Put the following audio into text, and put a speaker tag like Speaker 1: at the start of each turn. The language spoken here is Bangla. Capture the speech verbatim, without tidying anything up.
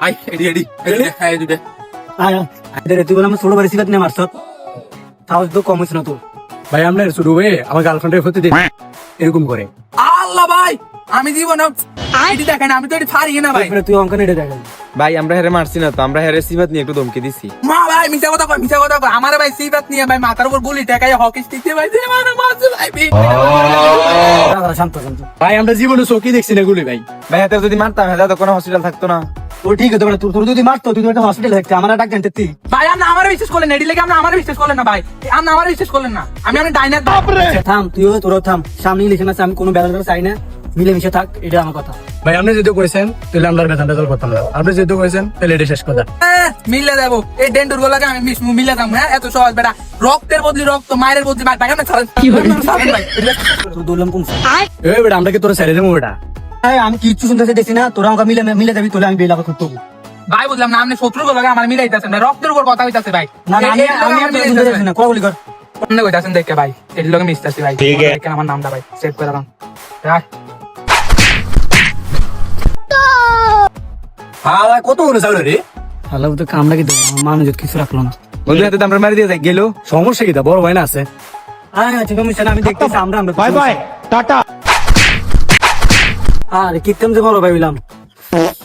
Speaker 1: আই এডি এডি এডি হ্যাঁ এডি
Speaker 2: আয় আয় তুই বলে আমার ছোট বাড়ি সিবাত নিয়ে মারছ তাও তো কম হয়েছে না তো
Speaker 3: ভাই আমরা শুরু হয়ে আমার গার্লফ্রেন্ডের হতে দিই এরকম করে।
Speaker 1: আল্লাহ ভাই আমি জীবনে এডি দেখেন আমি তো এডি পারি না ভাই।
Speaker 2: তুই অঙ্কন এটা দেখ
Speaker 4: ভাই আমরা হেরে মারছি না তো, আমরা হেরে সিবাত নিয়ে একটু ধমকি দিছি।
Speaker 1: মা ভাই মিছা কথা কয় মিছা কথা কয় আমার ভাই সিবাত নিয়ে ভাই মাথার উপর গুলি টেকায় হকি স্টিক দিয়ে ভাই যে মানে মারছে ভাই।
Speaker 2: শান্ত শান্ত
Speaker 3: ভাই আমরা জীবনে চোখে দেখছি না গুলি ভাই।
Speaker 4: ভাই হাতে যদি মারতাম হেলে তো কোনো হসপিটাল থাকতো না।
Speaker 2: ও ঠিক আছে তোর তোর যদি মারতো তুই তো একটা হসপিটাল থাকতে আমার ডাক জানতে তুই
Speaker 1: ভাই আপনি আমার বিশ্বাস করলেন এডি লেগে আপনি আমার বিশ্বাস করলেন না ভাই। আপনি আমার বিশ্বাস করলেন না আমি আমি ডাইনার
Speaker 2: থাম তুইও তোরও থাম সামনে ইলেকশন আছে আমি কোনো ব্যালেন্স চাই না মিলেমিশে থাক এটা আমার কথা
Speaker 3: ভাই আপনি যেহেতু করেছেন তাহলে আমরা বেতনটা তোর করতাম না, আপনি যেহেতু করেছেন তাহলে এটা শেষ কথা।
Speaker 1: মিলে যাবো এই ডেন্ডুর গোলাকে আমি মিলে যাবো হ্যাঁ এত সহজ বেটা রক্তের বদলি রক্ত মায়ের বদলি মায়ের ভাই আপনি ছাড়েন ভাই।
Speaker 2: তোর দৌড়লাম কোন
Speaker 3: এই বেটা আমরা কি তোর ছেড়ে দেবো বেটা?
Speaker 2: হ্যাঁ আমি কিচ্ছু শুনতেছি দেখছি না তোরা আমাকে মিলে মিলে যাবি তোলে আমি বেলা করতে
Speaker 1: ভাই বুঝলাম না আপনি শত্রুর গোলাকে আমার মিলাইতেছেন ভাই রক্তের উপর কথা হইতাছে ভাই
Speaker 2: না না আমি আমি আর তোর শুনতে যাচ্ছি না কলি কর
Speaker 1: অন্য কইতাছেন দেখে ভাই এর লগে মিশতাছি ভাই দেখেন আমার নামটা ভাই সেভ করে রাখ রাখ
Speaker 3: হ্যাঁ কত করে চাউল রে?
Speaker 2: আল্লাহ তো কামড়া কি দেবো মানুষ কিছু রাখলো না
Speaker 4: বন্ধু হাতে তো আমরা মারি দিয়ে যাই গেল।
Speaker 3: সমস্যা কি তা বড় ভাই না আছে।
Speaker 2: হ্যাঁ ঠিক আছে আমি দেখতেছি আমরা আমরা
Speaker 3: বাই বাই টাটা।
Speaker 2: আরে কিত্তম যে বড় ভাই বললাম